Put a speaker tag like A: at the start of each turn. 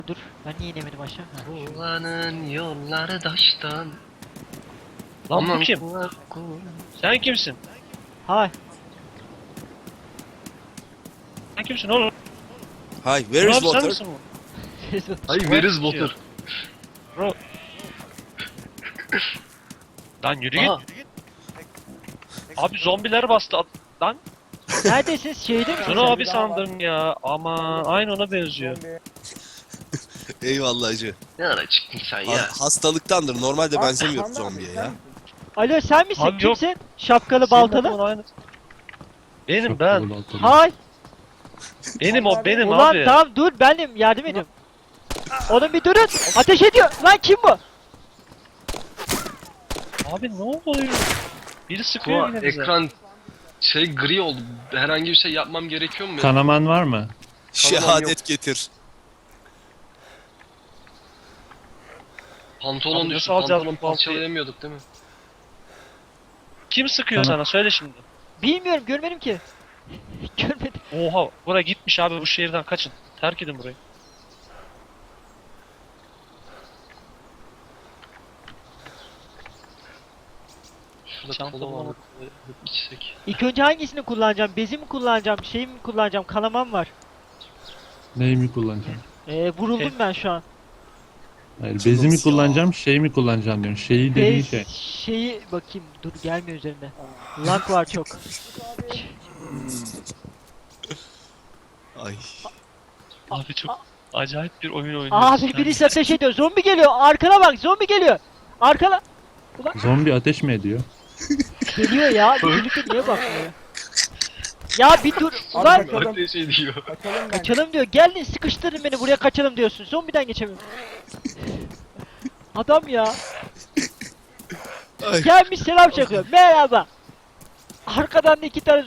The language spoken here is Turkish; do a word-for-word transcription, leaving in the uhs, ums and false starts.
A: Dur ben niye inemedim aşağı? Ha.
B: Kullanın yolları taştan.
C: Lan bu
B: Aman
C: kim?
B: kulak kul-
C: Sen kimsin?
A: Hay.
C: Sen kimsin oğlum?
D: Hi, where is
C: Abi sen
D: water?
C: misin bu?
B: Ay where is water?
C: Bro. Lan yürü git.
B: Aha.
C: Abi zombiler bastı. at- Lan
A: Neredesiniz? Şeyde mi?
C: şunu abi sandın ya. Ama aynı ona benziyor.
D: Eyvallah hacı.
B: Ne ara çıktın sen
D: Ha-
B: ya?
D: hastalıktandır. Normalde benzemiyor zombiye ya.
A: Alo sen misin?
C: Abi yok.
A: Kimsin? Şapkalı
C: Senin
A: baltalı.
C: adamın aynı. Benim ben.
A: Hay.
C: Benim o benim
A: Ulan
C: abi.
A: tamam dur benim yardım edin. Oğlum bir durun. Ateş ediyor. Lan kim bu?
C: Abi ne oluyor? Biri sıkıyor
B: Kuva
C: yine bize.
B: ekran şey gri oldu. Herhangi bir şey yapmam gerekiyor mu?
E: Kanaman var mı?
D: Şehadet getir.
B: Pantolon
C: Abi
B: düştü.
C: nasıl alacağız
B: Pantolon
C: bu baltayı?
B: parçalayamıyorduk değil mi?
C: Kim sıkıyor
E: Tamam.
C: sana? Söyle şimdi.
A: Bilmiyorum görmedim ki. Görmedim.
C: Oha buraya gitmiş abi, bu şehirden kaçın. Terk edin burayı.
B: Şurada
C: Çanta
B: kola var.
C: bulamadım.
B: İçsek.
A: İlk önce hangisini kullanacağım? Bezi mi kullanacağım? Şey mi kullanacağım? Kanamam var.
E: Neyi mi kullanacağım?
A: Ee, vuruldum
C: Şey-
A: ben şu an.
E: Hayır,
D: Nasıl
E: bezi mi
D: ya?
E: kullanacağım, şey mi kullanacağım diyorsun. Şeyi dediğin
A: Bez
E: şey.
A: şeyi bakayım. Dur gelmiyor üzerinde. Lag var çok.
D: Ay.
C: Abi çok acayip bir oyun oynuyorsun.
A: Abi
C: sen.
A: birisi ateş ediyor. Zombi geliyor. Arkana bak. Zombi geliyor. Arkana.
E: Zombi ateş mi ediyor?
A: Geliyor ya. Birlikte niye bakmıyor? Ya bir dur. Ulan
B: Öyle şey diyor.
A: kaçalım diyor. Geldin sıkıştırdın beni buraya kaçalım diyorsun. Zombiden geçemiyorum. Adam ya.
D: Ay.
A: Gelmiş selam çakıyor. Merhaba. Arkadan da iki tane